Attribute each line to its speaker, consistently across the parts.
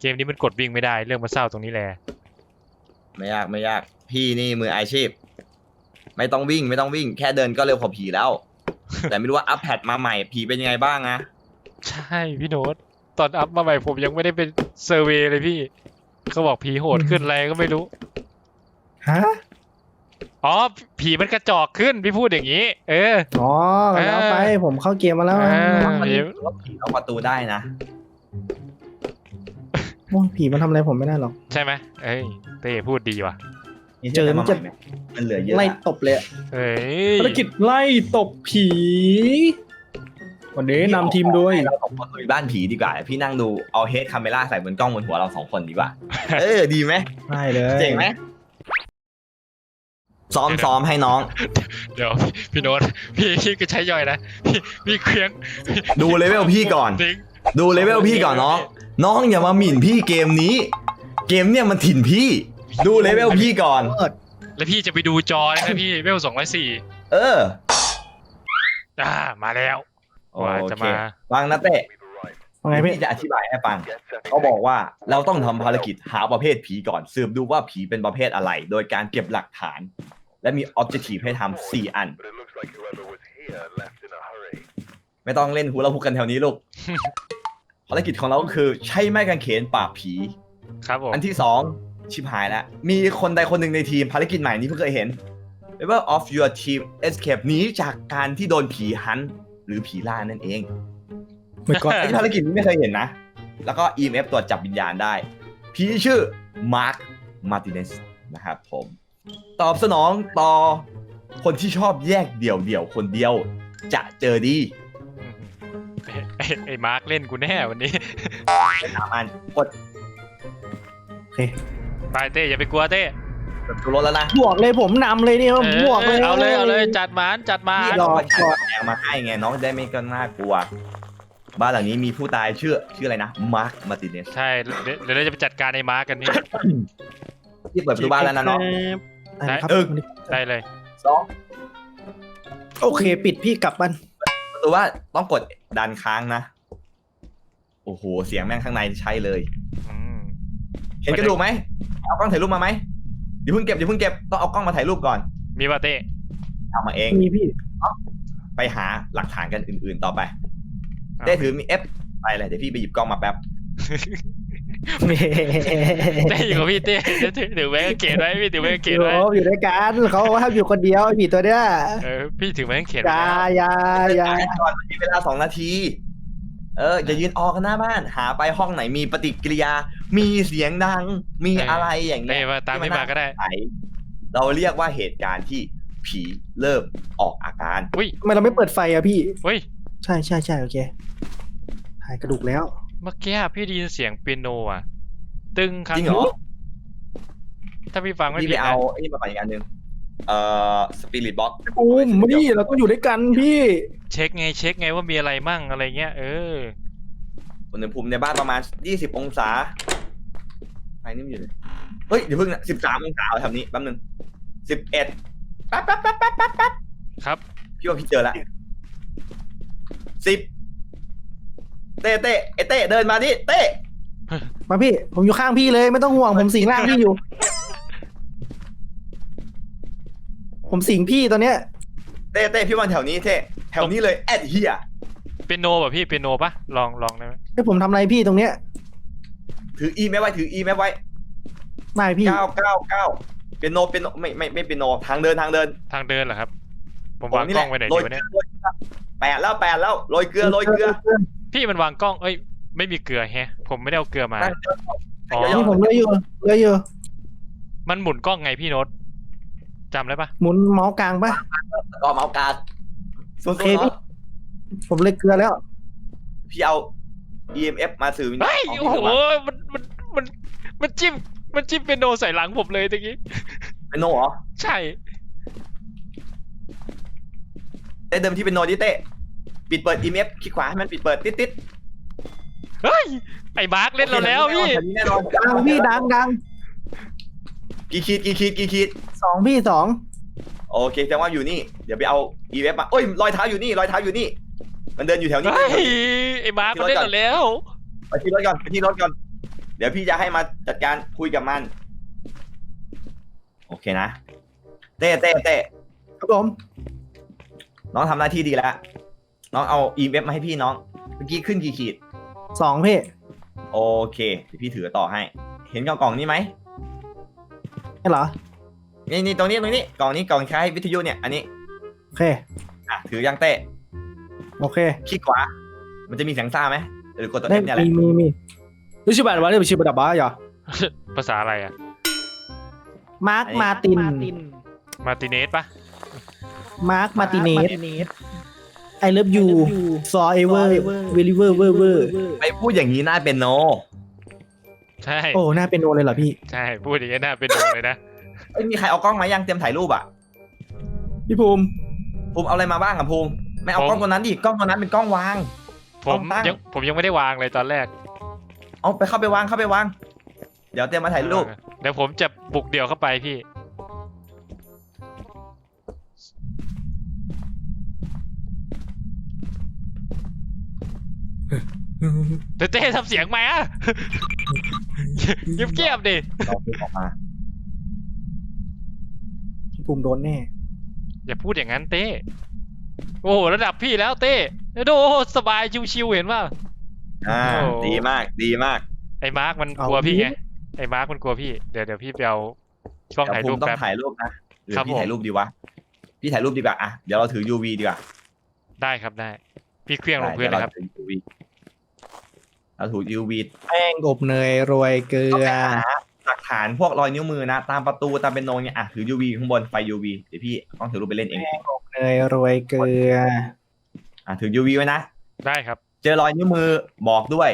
Speaker 1: เกมนี้มันกดวิ่งไม่ได้เรื่องมาเศร้าตรงนี้แหละ
Speaker 2: ไม่ยากไม่ยากพี่นี่มืออาชีพไม่ต้องวิ่งแค่เดินก็เร็วกว่าผีแล้ว แต่ไม่รู้ว่าอัปแพดมาใหม่ผีเป็นยังไงบ้างนะ
Speaker 1: ใช่พี่โน้ตตอนอัพมาใหม่ผมยังไม่ได้เป็นเซอร์เวย์เลยพี่เขาบอกผีโหดขึ้นอะไรก็ไม่รู้
Speaker 3: ฮะ
Speaker 1: อ๋อผีมันกระจอกขึ้นพี่พูดอย่างนี้
Speaker 3: อ๋อแล้วไปผมเข้าเกมมาแล้ว
Speaker 2: ผีเอาประตูได้นะ
Speaker 3: โอ้ผีมันทำอะไรผมไม่ได้หรอก
Speaker 1: ใช่ไหมเอ้ยเต้พูดดีว่ะ
Speaker 3: เจอมันจะ
Speaker 2: มันเหลือเยอะ
Speaker 3: ไล่ตบเลยภารกิจไล่ตบผีวันนี้นำทีมโดย
Speaker 2: เรา2 คนไปบ้านผีดีกว่าพี่นั่งดูเอาเฮดคาเมล่าใส่บนกล้องบนหัวเรา2 คนดีกว่าดีไหม
Speaker 3: ได้เลย
Speaker 2: เจ๋งไหมซ้อมให้น้อง
Speaker 1: เดี๋ยวพี่โน้ตพี่ก็ใช้ย่อยนะพี่เคลี้ยง
Speaker 2: ดูเลเวลพี่ก่อนดูเลเวลพี่ก่อนน้องอย่ามาหมิ่นพี่เกมนี้เกมเนี่ยมันถิ่นพี่ดูเลเวลพี่ก่อน
Speaker 1: แล้วพี่จะไปดูจอนะพี่เลเวล204มาแล้วว่าจะมา
Speaker 2: ฟังนะเต้
Speaker 3: ว่าไงพี่
Speaker 2: จะอธิบายให้ฟังเขาบอกว่าเราต้องทำภารกิจหาประเภทผีก่อนสืบดูว่าผีเป็นประเภทอะไรโดยการเก็บหลักฐานและมี objective ให้ทำ4 อันไม่ต้องเล่นฮูลาฮูปกันแถวนี้ลูก ภารกิจของเราก็คือใช้ไม้กางเขนปราบผี
Speaker 1: ครับผม
Speaker 2: อันที่2ชิบหายแล้วมีคนใดคนหนึ่งในทีมภารกิจใหม่นี้เพิ่งเคยเห็น Member of your team escape หนีจากการที่โดนผีฮันต์หรือผีล่านั่นเอง
Speaker 3: ไม่ก็
Speaker 2: ภารกิจนี้ไม่เคยเห็นนะแล้วก็ EMF ตรวจจับวิญญาณได้ผีชื่อมาร์คมาร์ติเนสนะครับผมตอบสนองต่อคนที่ชอบแยกเดี่ยวคนเดียวจะเจอดี
Speaker 1: ไอ้มาร์คเล่นกูแน่วันนี้
Speaker 2: 3 อันกด
Speaker 3: โอเค
Speaker 1: ไปเต้อย่าไปกลัวเต้
Speaker 2: ดูรถแล้วนะ
Speaker 3: บวกเลยผมนำเลยเนี่ยบวกเลย
Speaker 1: เอาเลยจัดมา
Speaker 2: รอแองมาให้ไงน้องได้ไม่ก็น่ากลัวบ้านหลังนี้มีผู้ตายชื่ออะไรนะมาร์คมาร์ติเนส
Speaker 1: ใช่เดี๋ยวเราจะไปจัดการไอ้มาร์คกันนี่
Speaker 2: ที่เปิดประตูบ้านแล้วนะน้อง
Speaker 1: ได้เลย
Speaker 3: 2โอเคปิดพี่กลับบ้าน
Speaker 2: ประตูว่าต้องกดดันค้างนะโอ้โหเสียงแม่งข้างในใช่เลยเห็นกระดูกไหมเอากล้องถ่ายรูปมาไหมเดี๋ยวเพิ่งเก็บต้องเอากล้องมาถ่ายรูปก่อน
Speaker 1: มีป่ะเต้
Speaker 2: เอามาเอง
Speaker 3: มีพี่
Speaker 2: ไปหาหลักฐานกันอื่นๆต่อไปเต้ถือมี F ไปเลยเดี๋ยวพี่ไปหยิบกล้องมาแป๊บ
Speaker 1: เต้อยู่กับพี่เต้ถือแม่งเกตไว้พี่ถือแม่งเกตไว้
Speaker 3: อยู่ด้วยกันเขาห้ามอยู่คนเดียวผีตัวเนี้ย
Speaker 1: พี่ถือแม่งเกต
Speaker 3: อย่า
Speaker 2: ก่อนมีเวลา2 นาทีอย่ายืนออกกันหน้าบ้านหาไปห้องไหนมีปฏิกิริยามีเสียงดังมีอะไรอย่างเงี้ย
Speaker 1: ตามไม่มาก็ได้
Speaker 2: เราเรียกว่าเหตุการณ์ที่ผีเริ่มออกอาการ
Speaker 3: ทำไมเราไม่เปิดไฟอะพี่ใช่โอเคถ่ายกระดูกแล้ว
Speaker 1: เมื่อกี้พี่ได้ยินเสียงเปียโนอ่ะตึงครั้ง
Speaker 2: จริงเหรอ
Speaker 1: ถ้าพี่ฟังไม่ผิด
Speaker 2: พี่ไปเอาไอ้นี่มาก่อนอีกอันนึงสปิริตบ็อกซ์
Speaker 3: พี่เราต้องอยู่ด้วยกันพี่
Speaker 1: เช็คไงว่ามีอะไรมั่งอะไรเงี้ย
Speaker 2: อุณหภูมิในบ้านประมาณ20 องศาไฟนิ่มอยู่เลยเฮ้ยเดี๋ยวเพิ่งนะ13 องศาทำนี้แป๊บนึง11แป๊บ
Speaker 1: ครับ
Speaker 2: พี่ว่าพี่เจอแล้ว10เต้เดินมาดิเต้
Speaker 3: มาพี่ผมอยู่ข้างพี่เลยไม่ต้องห่วงผมสิงร่างพี่อยู่ผมสิงพี่ตอนเนี้ย
Speaker 2: เต้พี่วันแถวนี้แถวนี้เลยแอดเฮีย
Speaker 1: เป็นโนป่ะพี่เป็นโนป่ะลองได้ไหม
Speaker 3: ให้ผมทำอะไรพี่ตรงเนี้ย
Speaker 2: ถืออีแม่ไว้
Speaker 3: ไม่พี่
Speaker 2: 9เป็นโนไม่เป็นโนทางเดิน
Speaker 1: เหรอครับผมวางกล้องไว้ไหนดีวะเนี่ย
Speaker 2: 8 แล้วโรยเกลือ
Speaker 1: พี่มันวางกล้องไม่มีเกลือแฮะผมไม่ได้เอาเกลือมา
Speaker 3: นี่ผมเลยอยู่
Speaker 1: มันหมุนกล้องไงพี่โน้ตจำได้ปะ
Speaker 3: หมุนเมาส์กลางปะ
Speaker 2: ก็เมาส์กลาง
Speaker 3: โอเคพี่ผมเลยเกลือแล้ว
Speaker 2: พี่เอา EMF มาสื่อ
Speaker 1: โอ้โหมันจิ้มเป็นโนใส่หลังผมเลยตะกี้
Speaker 2: เป็นโนเหรอ
Speaker 1: ใช่
Speaker 2: เดิมที่เป็นโนดิเต้ปิดเปิด EMF คลิกขวาให้มันปิดเปิดติด
Speaker 1: เฮ้ยไอ้มาร์คเล่นเราแล้วพี่
Speaker 3: ดังพี่ดัง
Speaker 2: กี่ขีด
Speaker 3: 2พี่
Speaker 2: โอเคแสดงว่าอยู่นี่เดี๋ยวไปเอา EMF มาโอ้ยรอยเท้าอยู่นี่มันเดินอยู่แถวนี้
Speaker 1: ไอ้มาร์คมันเล่นเราแล้ว
Speaker 2: ไปที่รถก่อนเดี๋ยวพี่จะให้มาจัดการคุยกับมัน โอเคนะ เต้
Speaker 3: ครับผม
Speaker 2: น้องทำหน้าที่ดีแล้ว น้องเอา EMF มาให้พี่น้อง เมื่อกี้ขึ้นกี่ขีด
Speaker 3: 2พี่
Speaker 2: โอเคเดี๋ยวพี่ถือต่อให้ เห็นกล่องนี้ไหม
Speaker 3: ใช่เหรอ
Speaker 2: นี่ตรงนี้กล่องนี้กล่องคล้ายวิทยุเนี่ย อันนี้
Speaker 3: โอเค
Speaker 2: ถือยังเต้
Speaker 3: โอเค
Speaker 2: คลิกขวา มันจะมีเสียงซ่าไหมหรือกดตัว
Speaker 3: ได้
Speaker 2: F เนี่ยแหละ
Speaker 3: มีรู้ชื่อแบบว่าเรียกชื่อแบบบ้าเหรอ
Speaker 1: ภาษาอะไรอะ
Speaker 3: มาร์คมาติน
Speaker 1: มาร์ติเนสปะ
Speaker 3: มาร์คมาติเนส I love you forever wherever wherever
Speaker 2: ไปพูดอย่างนี้น่าเป็นโน
Speaker 1: ใช่
Speaker 3: โอ้น่าเป็นโนเลยเหรอพี่
Speaker 1: ใช่พูดอย่างนี้น่าเป็นโดเลยนะ
Speaker 2: เอ้ยมีใครเอากล้องมายังเตรียมถ่ายรูปอ่ะ
Speaker 3: พี่ภูมิ
Speaker 2: ภูมิเอาอะไรมาบ้างอ่ะภูมิไม่เอากล้องตัวนั้นดิกล้องตัวนั้นเป็นกล้องวาง
Speaker 1: ผม
Speaker 2: ตั้ง
Speaker 1: ยังไม่ได้วางเลยตอนแรก
Speaker 2: เอาไปเข้าไปวางเดี๋ยวเตรียมมาถ่ายรูป
Speaker 1: เดี๋ยวผมจะบุกเดี่ยวเข้าไปพี่เต้ทำเสียงไหมอะ เงียบๆดิ
Speaker 2: เราภูมิออกมา
Speaker 3: พี่ภูมิโดนแน่
Speaker 1: อย่าพูดอย่างนั้นเต้โอ้โหระดับพี่แล้วเต้โอ้โหสบายชิวๆเห็นป่ะ โอ้
Speaker 2: ดีมาก
Speaker 1: ไอ้มาร์กมัน
Speaker 3: เอา
Speaker 1: กลัวพี่
Speaker 3: ดิ
Speaker 1: ไงไอ้มาร์กมันกลัวพี่เดี๋ยวพี่ไปเอากล้อง
Speaker 2: เดี๋ยว
Speaker 1: ถ่าย
Speaker 2: ภู
Speaker 1: รูป
Speaker 2: มิต้อ
Speaker 1: แป๊บ
Speaker 2: งถ่ายรูปนะหรือ
Speaker 1: ครับ
Speaker 2: พี่
Speaker 1: ผม
Speaker 2: ถ่ายรูปดีวะพี่ถ่ายรูปดีกว่าอ่ะเดี๋ยวเราถือ UV ดีกว่า
Speaker 1: ได้ครับได้ พี่เครื่องลงพื้นเลยครับ
Speaker 2: ดี๋วเราถือ UV
Speaker 3: แป้งอบเนยโรยเกลื
Speaker 2: ต้อง
Speaker 3: อ
Speaker 2: ไปหาหลักฐานพวกรอยนิ้วมือนะ ตามประตูตามเป็นโนเนี่ยอ่ะถือ UV ข้างบนไฟ UV เดี๋ยวพี่ต้องถือรูปไปเล่นเอง
Speaker 3: เนยโรยเกลือ
Speaker 2: ถือ UV ไว้นะ
Speaker 1: ได้ครับ
Speaker 2: เจอรอยนิ้วมือบอกด้วย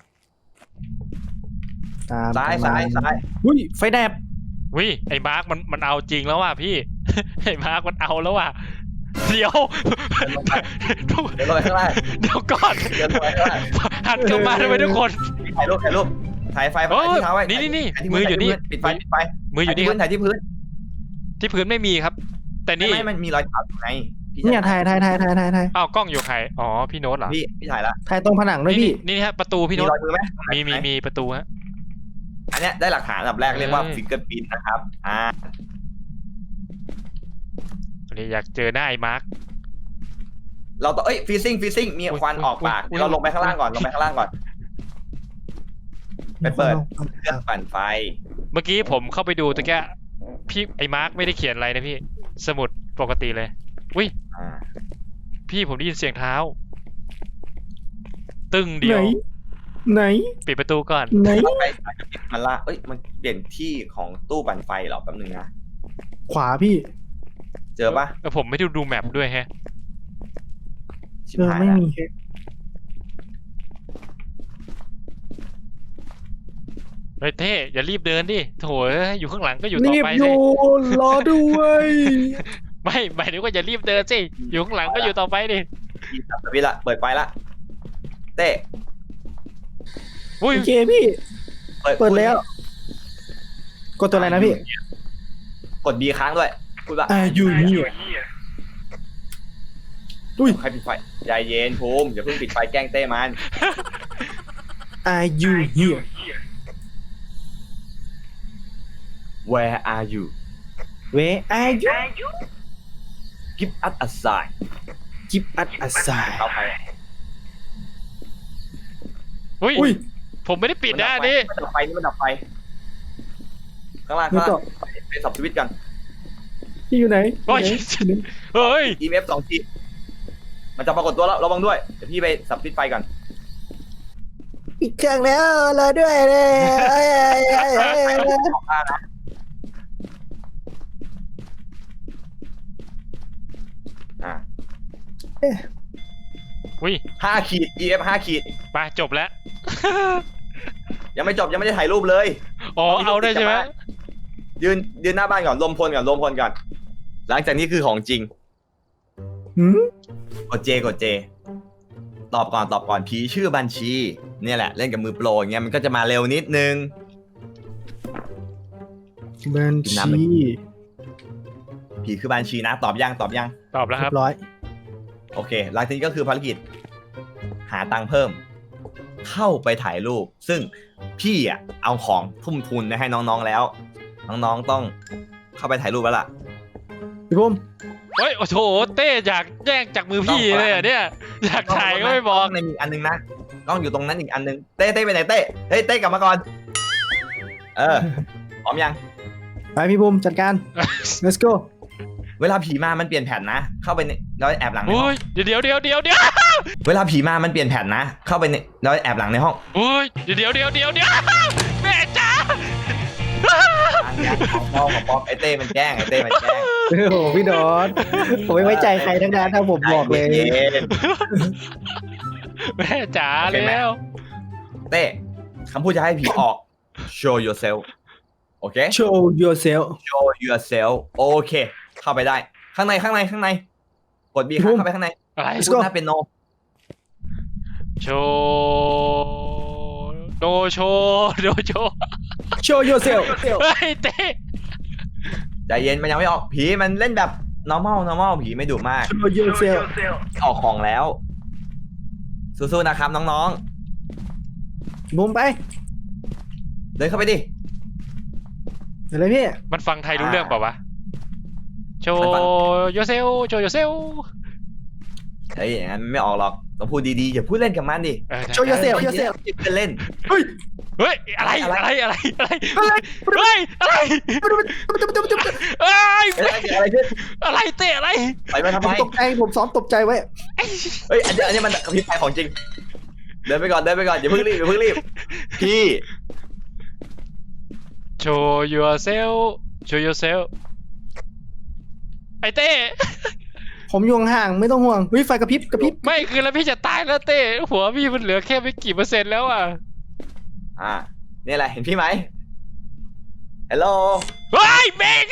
Speaker 3: ตาม
Speaker 2: ซ้าย
Speaker 3: ประมณอุ้ยไฟแดบ
Speaker 1: วิไอ้มาร์กมันเอาจริงแล้วว่ะพี่ ไอ้มาร์กมันเอาแล้วว่ะเดี๋ยว
Speaker 2: เดี๋ยวลงไปข้างล่าง
Speaker 1: เดี๋ยวก่อน
Speaker 2: เดี๋ยวลงไปข้างล่าง
Speaker 1: หันกลับมาทำไมทุกคน
Speaker 2: ถ่ายรูปถ่ายไฟ
Speaker 1: โอ้ย
Speaker 2: ที่เท้าไว้
Speaker 1: นี่
Speaker 2: ถ่ายที่
Speaker 1: มืออยู่นี่
Speaker 2: ปิดไฟ
Speaker 1: มืออยู่นี่ครับ
Speaker 2: ถ่ายที่พื้น
Speaker 1: ที่พื้นไม่มีครับ แต่นี่
Speaker 2: ไม่มันมีรอยเท้าอยู่ไงพี่
Speaker 3: เนี่ยถ่าย
Speaker 1: อ้าวกล้องอยู่ใครอ๋อพี่โน้ตเหรอ
Speaker 2: พี่ถ่ายละ
Speaker 3: ถ่ายตรงผนังด้วยพี่
Speaker 1: นี่ฮะประตูพี่
Speaker 2: มี
Speaker 1: โน้ต
Speaker 2: รอยมือไหม
Speaker 1: มีประตูฮะ
Speaker 2: อันเนี้ยได้หลักฐานอันดับแรกเรียกว่า
Speaker 1: เอ้ย
Speaker 2: ฟิงเกอร์พิ้นนะครับ
Speaker 1: วันนี้อยากเจอหน้าไอ้มาร์ก
Speaker 2: เราต้องฟีซิ่งมีควันออกปาก
Speaker 1: อุ๊ย
Speaker 2: เดี๋ยวเราลงไปข้างล่างก่อนไปเปิดเครื่องปั่นไฟ
Speaker 1: เมื่อกี้ผมเข้าไปดูตะแกะพี่ไอ้มาร์กไม่ได้เขียนอะไรนะพี่ สมุดปกติเลยอุ้ย
Speaker 2: อ่า
Speaker 1: พี่ผมได้ยินเสียงเท้า ตึ้งเดี
Speaker 3: ไห
Speaker 1: ย
Speaker 3: น
Speaker 1: ว
Speaker 3: ไหน
Speaker 1: ปิดประตูก่อน
Speaker 3: ไหน
Speaker 2: เราไปมันละมันเปลี่ยนที่ของตู้ปั่นไฟเหรอแป๊บนึงนะ
Speaker 3: ขวาพี่
Speaker 2: เจอปะ
Speaker 1: ผมไม่ได้ดูแมปด้วยแฮะ
Speaker 2: ชิบ
Speaker 3: เออ
Speaker 2: หาย
Speaker 3: ไม่
Speaker 2: ละ
Speaker 3: มี
Speaker 1: เฮ้ยเท่อย่ารีบเดินดิโถเอ้ยอยู่ข้างหลังก็อยู่ต่อ
Speaker 3: รีบ
Speaker 1: ไป
Speaker 3: อ
Speaker 1: สิ
Speaker 3: ยู่รอด้วย
Speaker 1: ไม่หมายถึงว่าอย่ารีบเดินสิอยู่ข้างหลังก็อยู่ต่อไปดิ
Speaker 2: พี่สับสวิตช์ละเปิดไฟละเต้
Speaker 1: อุ้ย
Speaker 3: โอเคพี่ เปิดแล้ว กดตัวอะไรนะพี่
Speaker 2: กด B ค้างด้วยพูดว่า
Speaker 3: อยู่นี่อุ้ย
Speaker 2: ใครปิดไฟใจเย็นภูมิอย่าเพิ่งปิดไฟแกล้งเต้มัน
Speaker 3: Are you here
Speaker 2: Where are you
Speaker 3: Where are you
Speaker 2: Give us a sign
Speaker 3: Give us a sign
Speaker 2: เข้าไป
Speaker 1: อุ้ย
Speaker 3: อุ้ย
Speaker 1: ผมไม่ได้ปิดนะอันนี่
Speaker 2: มันดับไฟนี่มันดับไฟข้างล่าง
Speaker 3: นี่
Speaker 2: ข้าง
Speaker 3: ก็
Speaker 2: ล่างเป็นสับสวิตช์กัน
Speaker 3: พี่อยู่ไหน
Speaker 1: โอ้ย เฮ้ย
Speaker 2: EMF 2 ทีมันจะปรากฏตัวแล้วระวังด้วยเดี๋ยวพี่ไปสับสวิตช์ไฟก่อน
Speaker 3: ปิดเครื่องแล้วรอด้วยเลย
Speaker 2: ออกมานะอ่ะ
Speaker 1: อุ้ย
Speaker 2: 5 ขีด EF 5 ขีด
Speaker 1: ไปจบแล้ว
Speaker 2: ยังไม่จบยังไม่ได้ถ่ายรูปเลย
Speaker 1: อ๋อเอาได้ใช่ไหม
Speaker 2: ยืนหน้าบ้านก่อนลมพลก่อนหลังจากนี้คือของจริง กดเจตอบก่อนผีชื่อบัญชีเนี่ยแหละเล่นกับมือโปรอย่างเงี้ยมันก็จะมาเร็วนิดนึง
Speaker 3: บัญชี
Speaker 2: ผีคือบัญชีนะตอบยัง
Speaker 1: ตอบแล้วค
Speaker 3: เรี
Speaker 1: รั
Speaker 3: ย
Speaker 1: บบ
Speaker 3: ร้อย
Speaker 2: โอเคหลังจากนี้ก็คือภารกิจหาตังค์เพิ่มเข้าไปถ่ายรูปซึ่งพี่อ่ะเอาของทุ่มทุนให้น้องๆแล้วน้องๆต้องเข้าไปถ่ายรูปแล้วล่ะ
Speaker 3: พี่บุ้ม
Speaker 1: เฮ้ยโอ้โหเต้อยากแย่งจากมือพี่เลยอ่ะเนี่ยอยากถ่ายก็ไม่บอก
Speaker 2: ในมีอันนึงนะกล้องอยู่ตรงนั้นอีกอันนึงเต้ไปไหนเต้เฮ้ยเต้กลับมาก่อนพร้อมยัง
Speaker 3: ไปพี่บุ้มจัดการ let's go
Speaker 2: เวลาผีมามันเปลี่ยนแผ่นนะเข้าไปแล้วแอบหลังในห้
Speaker 1: โอ้
Speaker 2: อง
Speaker 1: ยเดี๋ยว
Speaker 2: เวลาผีมามันเปลี่ยนแผ่นนะเข้าไปแล้วแอบหลังในห้อง
Speaker 1: โอ้ยเดี๋ยวแม่จ้า
Speaker 2: ของป๊อปไอเต้มันแกล้ง
Speaker 3: โอ้โหพี่ดอนผมไม่ไว้ใจใครทั้งนั้นถ้าผมบอกเลย
Speaker 1: แม่จ๋าแล้ว
Speaker 2: เต้คำพูดจะให้ผีออก show yourself โอเค
Speaker 3: show yourself
Speaker 2: show yourself โอเค เข้าไปได้ข้างในกด B เข้าไปข้างใน
Speaker 1: อะไร
Speaker 3: Let's
Speaker 2: พู
Speaker 3: go
Speaker 2: ดหน้าเป็นโน
Speaker 1: โชว์โดโชว์
Speaker 3: show yourself
Speaker 1: เฮ้ยเต้
Speaker 2: ใจเย็นมันยังไม่ออกผีมันเล่นแบบ normal ผีไม่ดุมาก
Speaker 3: show yourself
Speaker 2: ออกของแล้วสู้ๆนะครับน้อง
Speaker 3: บุ้มไป
Speaker 2: ๆเดินเข้าไปดิ
Speaker 3: อะไรพี่
Speaker 1: มันฟังไทยรู้เรื่องเปล่าวะโชว์โยเซล
Speaker 2: เฮ้ยอย่างนั้นไม่ออกหรอกต้องพูดดีๆอย่าพูดเล่นกับมันดิ
Speaker 3: show yourself
Speaker 2: จะเล่น
Speaker 3: เฮ้ย
Speaker 1: เฮ้ยอะไรเฮ้ยอะไร
Speaker 2: เฮ้ยเกิดอะไรขึ้น
Speaker 1: อะไรเต้อะไร
Speaker 2: ไปมาทำ
Speaker 3: ผ
Speaker 2: ไม
Speaker 3: มตกใจผมซ้อมตกใจไว้
Speaker 2: เฮ้ยอันนี้มันกระพริบไฟของจริงเดินไปก่อนอย่าเพิ่งรีบพี่
Speaker 1: show yourself ไอเต้
Speaker 3: ผมอยู่ห่างๆไม่ต้องห่วงเฮ้ยไฟกระพริบ
Speaker 1: ไม่คือแล้วพี่จะตายแล้วเต้หัวพี่มันเหลือแค่ไม่กี่เปอร์เซ็นต์แล้วอ่ะ
Speaker 2: นี่แหละเห็นพี่ไหมฮัลโหล
Speaker 1: เฮ้ยเบง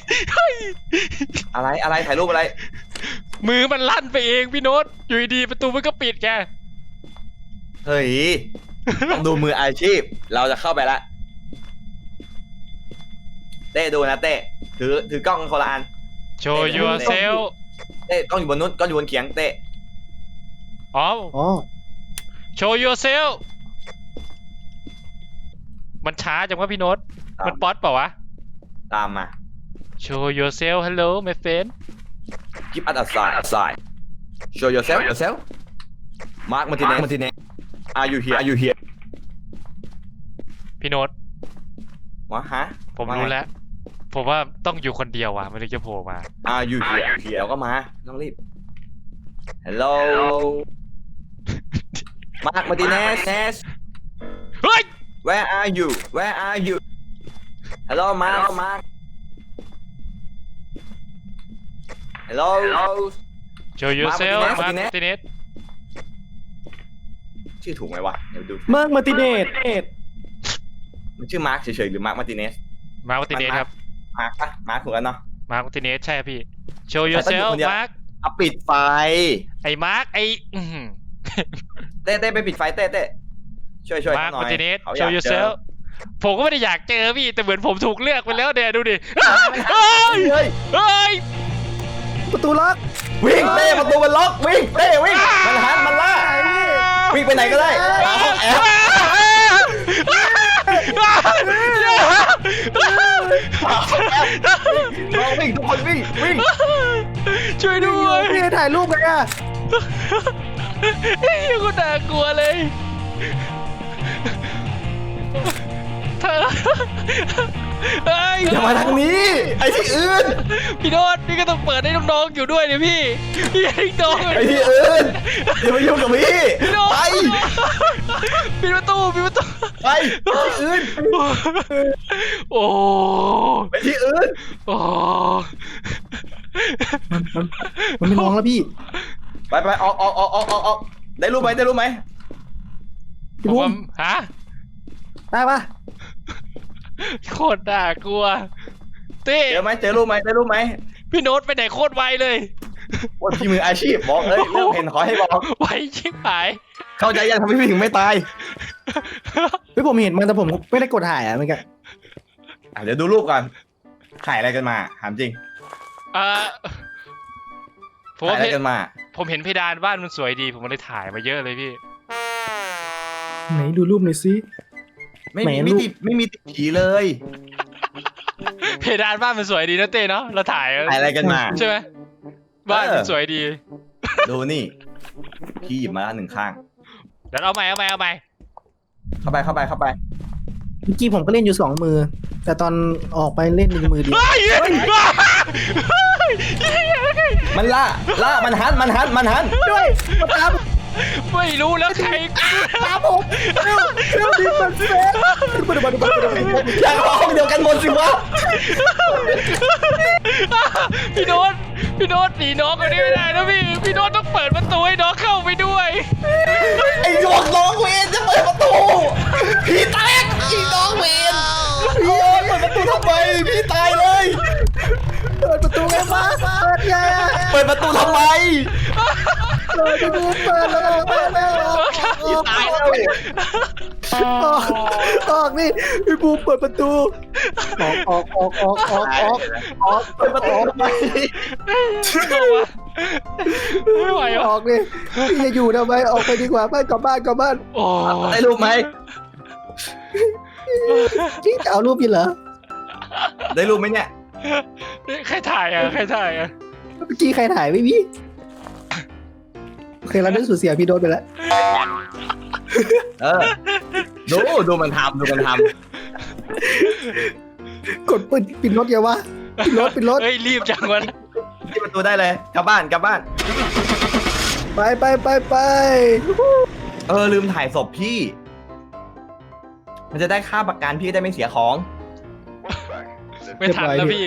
Speaker 2: อะไรถ่ายรูปอะไร
Speaker 1: มือมันลั่นไปเองพี่โน้ตอยู่ดีๆประตูมันก็ปิดแก
Speaker 2: เฮ้ยต้องดูมืออาชีพเราจะเข้าไปละเต้ดูนะเต้ถือกล้องคนละอัน
Speaker 1: show yourself
Speaker 2: เต้กล้องอยู่บนนู้นกล้องอยู่บนเขียงเต้
Speaker 1: อ๋อ
Speaker 3: อ๋อ
Speaker 1: show yourself มันช้าจังวะพี่โน้ตมันป๊อตเปล่าวะ
Speaker 2: ตามมา
Speaker 1: show yourself hello my friend
Speaker 2: keep us aside show yourself Mark Martinez are you here
Speaker 1: พี่โน้ต
Speaker 2: วะฮะ
Speaker 1: ผมรู้แล้ว ผมว่าต้องอยู่คนเดียวว่ะมันถึงจะโผล่มา
Speaker 2: Are you here เดี๋ยวก็มาต้องรีบ Hello Mark Martinez
Speaker 1: เฮ้ย
Speaker 2: Where are you Hello Mark Hello
Speaker 1: show yourself
Speaker 2: Mark
Speaker 1: Mark
Speaker 2: Martinez
Speaker 1: Martinez
Speaker 2: ชื่อถูกไหมวะเดี๋ยวดู
Speaker 3: มาร์คมาร์ติเนส
Speaker 2: มันชื่อมาร์คเฉยๆหรือมาร์คมาร์ติเนส
Speaker 1: Mark Martinez ครับ
Speaker 2: มาร์คปะมาร์คถูกกันเนาะ
Speaker 1: Mark Martinez ใช่ครับพี่ show
Speaker 2: แต่ต้องอยู่
Speaker 1: yourself
Speaker 2: คนเดียว
Speaker 1: Mark
Speaker 2: เอาปิดไฟ
Speaker 1: ไอ้มาร์คไอ้อื้อหือ
Speaker 2: เต้ไปปิดไฟเต้ช่วย
Speaker 1: Mark
Speaker 2: หน่อย
Speaker 1: Martinez
Speaker 2: เขาอยา
Speaker 1: show
Speaker 2: กเจอ
Speaker 1: yourself ผมก็ไม่ได้อยากเจอพี่แต่เหมือนผมถูกเลือกไปแล้วเนี่ยดูดิเฮ้ย
Speaker 2: เฮ้ย
Speaker 3: ประตูล็อก
Speaker 2: วิ่งเต้ประตูมันล็อกวิ่งเต้วิ่งมันหันมันล่าวิ่งไปไหนก็ได้หาห้องแอร์วิ่งทุกคนวิ่ง
Speaker 1: ช่วยด้วย
Speaker 3: พี่ถ่ายรูปกันอ่ะ
Speaker 1: ยังก็น่ากลัวเลยเธอเฮ้ย
Speaker 2: อย่ามาทางนี้ไอ้ที่อื่น
Speaker 1: พี่โน้ตพี่ก็ต้องเปิดให้น้องๆอยู่ด้วยเนี่ยพี่ให้น้อง
Speaker 2: ไอ้ที่อื่นอย่ามายุ่งกับพี่
Speaker 1: พี่โน้ต
Speaker 2: ไป
Speaker 1: ปิดประตู
Speaker 2: ไปที่อื่น
Speaker 1: โอ้
Speaker 2: ไปที่อื่น
Speaker 1: โอ้
Speaker 3: มันไม่มองแล้วพี่
Speaker 2: ไปออกได้รู้ไหม
Speaker 1: ผ
Speaker 3: พี่
Speaker 1: ม
Speaker 3: บุ้
Speaker 1: ว่าม ฮะ
Speaker 3: ได้ปะ
Speaker 1: โคตรน่ากลัวเต้
Speaker 2: เจอรู้ไหม
Speaker 1: พี่โน้ตไปไหนโคตรไวเลย
Speaker 2: ว่าพี่มืออาชีพบอกเรื่องเห็นขอให้บอก
Speaker 1: ไวชิบหาย
Speaker 2: เข้าใจยังทำให้พี่ถึงไม่ตาย
Speaker 3: เฮ้ยผมเห็นมันแต่ผมไม่ได้กดถ่ายอ่ะเมื่อกี้
Speaker 2: เดี๋ยวดูรูปก่อนถ่ายอะไรกันมาถามจริง
Speaker 1: ผม
Speaker 2: ถ่าย
Speaker 1: ว่า
Speaker 2: อะไรกันมา
Speaker 1: ผมเห็นเพดานบ้านมันสวยดีผมเลยถ่ายมาเยอะเลยพี่
Speaker 3: ไหนดูรูปหน่อยสิ
Speaker 2: ไม่
Speaker 3: แหม
Speaker 2: มี
Speaker 3: ลูก
Speaker 2: ไม่มีติดผีเลย
Speaker 1: เพดานบ้านมันสวยดีนะเต้เนาะเราถ่าย
Speaker 2: ถ่ายอะไรกันมา
Speaker 1: ใช่ไหมบ้านมันสวยดี
Speaker 2: ดูนี่ พี่หยิบมาหนึ่งข้าง
Speaker 1: เดี๋ยวเอาใหม่
Speaker 2: เข้าไป
Speaker 3: เมื่อกี้ผมก็เล่นอยู่2 มือ แต่ตอนออกไปเล่น1 มือเดียว
Speaker 1: เฮ้ย
Speaker 2: มันมันหัน
Speaker 3: ด้วยมาตาม
Speaker 1: ไม่รู้แล้วใคร
Speaker 3: ตามผมเร็วดิมันเฟสมาดู
Speaker 2: อยากห้องเดียวกันหมดสิวะ
Speaker 1: พี่โน้ตหนีน้องคนนี้ไม่ได้นะพี่โน้ตต้องเปิดประตูให้น้องเข้าไปด้วย
Speaker 2: ไอ้หยวกน้องเวนจะเปิดประตูพี่แตกไอ้น้องเวนพี่เปิดประตูทำไมพี่ตายเลย
Speaker 3: เปิดประตูไงมาเปิดไง
Speaker 2: เปิดประตูทำไม
Speaker 3: เปิดประตูเปิดแล้ว
Speaker 2: พี่ตายแล้ว
Speaker 3: ออกนี่พี่บูเปิดประตูออก
Speaker 2: เปิดประตูทำไม
Speaker 1: ไม่ไหว
Speaker 3: ออกนี่พี่จะอยู่ทำไมออกไปดีกว่าไปกลับบ้าน
Speaker 1: โอ้
Speaker 2: ได้รูปไหม
Speaker 3: พี่จะเอารูปพี่เหรอ
Speaker 2: ได้รูปไหมเนี่ย
Speaker 1: ใครถ่ายอ่ะ
Speaker 3: เมื่อกี้ใครถ่ายไม่มีโอเคเราได้สูญเสียพี่โดนไปแล้ว
Speaker 2: ดูมันทำ
Speaker 3: กดปิดรถอย่าวะปิดรถ
Speaker 1: เฮ้ยรีบจังวะ
Speaker 2: ที่ประตูได้เลยกลับบ้าน
Speaker 3: ไป
Speaker 2: ลืมถ่ายศพพี่ มันจะได้ค่าประกันพี่ได้ไม่เสียของ
Speaker 1: ไม่ทันแล้วพี่